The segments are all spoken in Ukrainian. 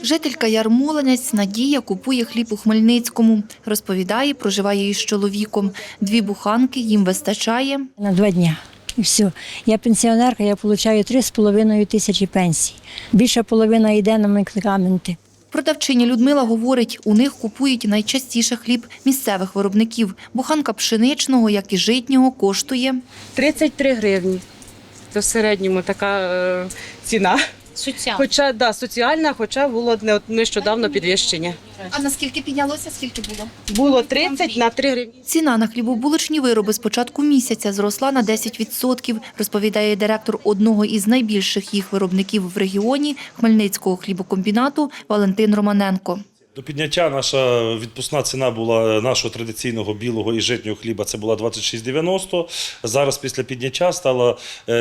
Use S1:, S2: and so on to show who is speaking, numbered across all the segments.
S1: Жителька Ярмолинець Надія купує хліб у Хмельницькому. Розповідає, проживає із чоловіком. 2 буханки їм вистачає.
S2: На 2 дні. І все. Я пенсіонерка, я отримую 3,5 тисячі пенсій. Більша половина йде на медикаменти.
S1: Продавчиня Людмила говорить, у них купують найчастіше хліб місцевих виробників. Буханка пшеничного, як і житнього, коштує
S3: 33 гривні. Це в середньому така ціна. Соціальна, хоча було нещодавно підвищення.
S1: А наскільки піднялося? Скільки було?
S3: Було 30 на 3 гривні.
S1: Ціна на хлібобулочні вироби з початку місяця зросла на 10%, розповідає директор одного із найбільших їх виробників в регіоні – Хмельницького хлібокомбінату Валентин Романенко.
S4: До підняття наша відпускна ціна була нашого традиційного білого і житнього хліба, це була 26,90. Зараз після підняття стала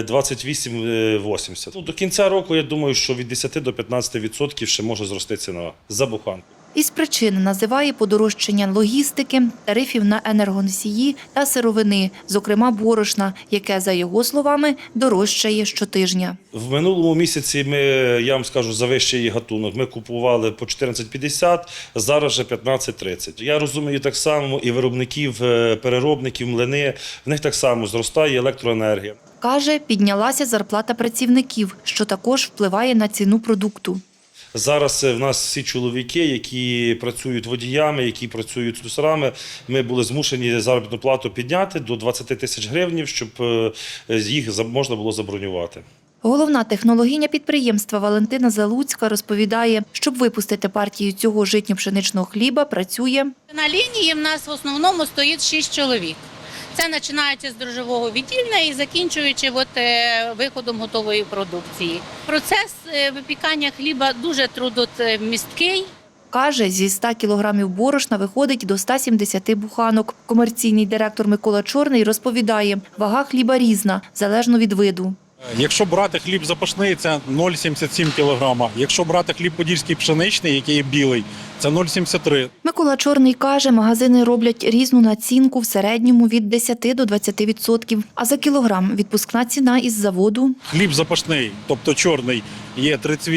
S4: 28,80. До кінця року, я думаю, що від 10 до 15% ще може зрости ціна за буханку.
S1: Із причин називає подорожчання логістики, тарифів на енергоносії та сировини, зокрема борошна, яке, за його словами, дорожчає щотижня.
S4: В минулому місяці я вам скажу, за вищий гатунок ми купували по 14,50, зараз вже 15,30. Я розумію так само і виробників, переробників, млини, в них так само зростає електроенергія.
S1: Каже, піднялася зарплата працівників, що також впливає на ціну продукту.
S4: Зараз в нас всі чоловіки, які працюють водіями, які працюють слюсарами, ми були змушені заробітну плату підняти до 20 тисяч гривень, щоб їх можна було забронювати.
S1: Головна технологиня підприємства Валентина Залуцька розповідає, щоб випустити партію цього житньо-пшеничного хліба, працює.
S5: На лінії в нас в основному стоїть 6 чоловік. Це починається з дрожжевого відділення і закінчуючи виходом готової продукції. Процес випікання хліба дуже трудомісткий.
S1: Каже, зі 100 кілограмів борошна виходить до 170 буханок. Комерційний директор Микола Чорний розповідає, вага хліба різна, залежно від виду.
S6: Якщо брати хліб запашний, це 0,77 кг. Якщо брати хліб подільський пшеничний, який є білий, це 0,73.
S1: Микола Чорний каже, магазини роблять різну націнку в середньому від 10 до 20%. А за кілограм відпускна ціна із заводу.
S6: Хліб запашний, тобто чорний, є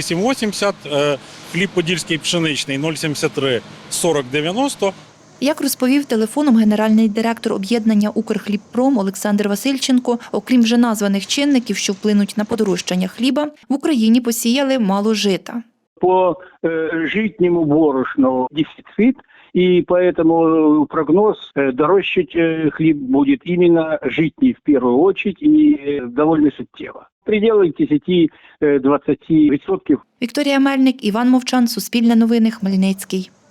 S6: 38,80, хліб подільський пшеничний 0,73, 40,90.
S1: Як розповів телефоном генеральний директор об'єднання «Укрхлібпром» Олександр Васильченко, окрім вже названих чинників, що вплинуть на подорожчання хліба, в Україні посіяли мало жита.
S7: По житнему борошну дефицит, и поэтому прогноз дорожчать хлеб будет именно житний в первую очередь и довольно суттєво. В пределах 10-20%.
S1: Вікторія Мельник, Іван Мовчан, Суспільне новини, Хмельницький.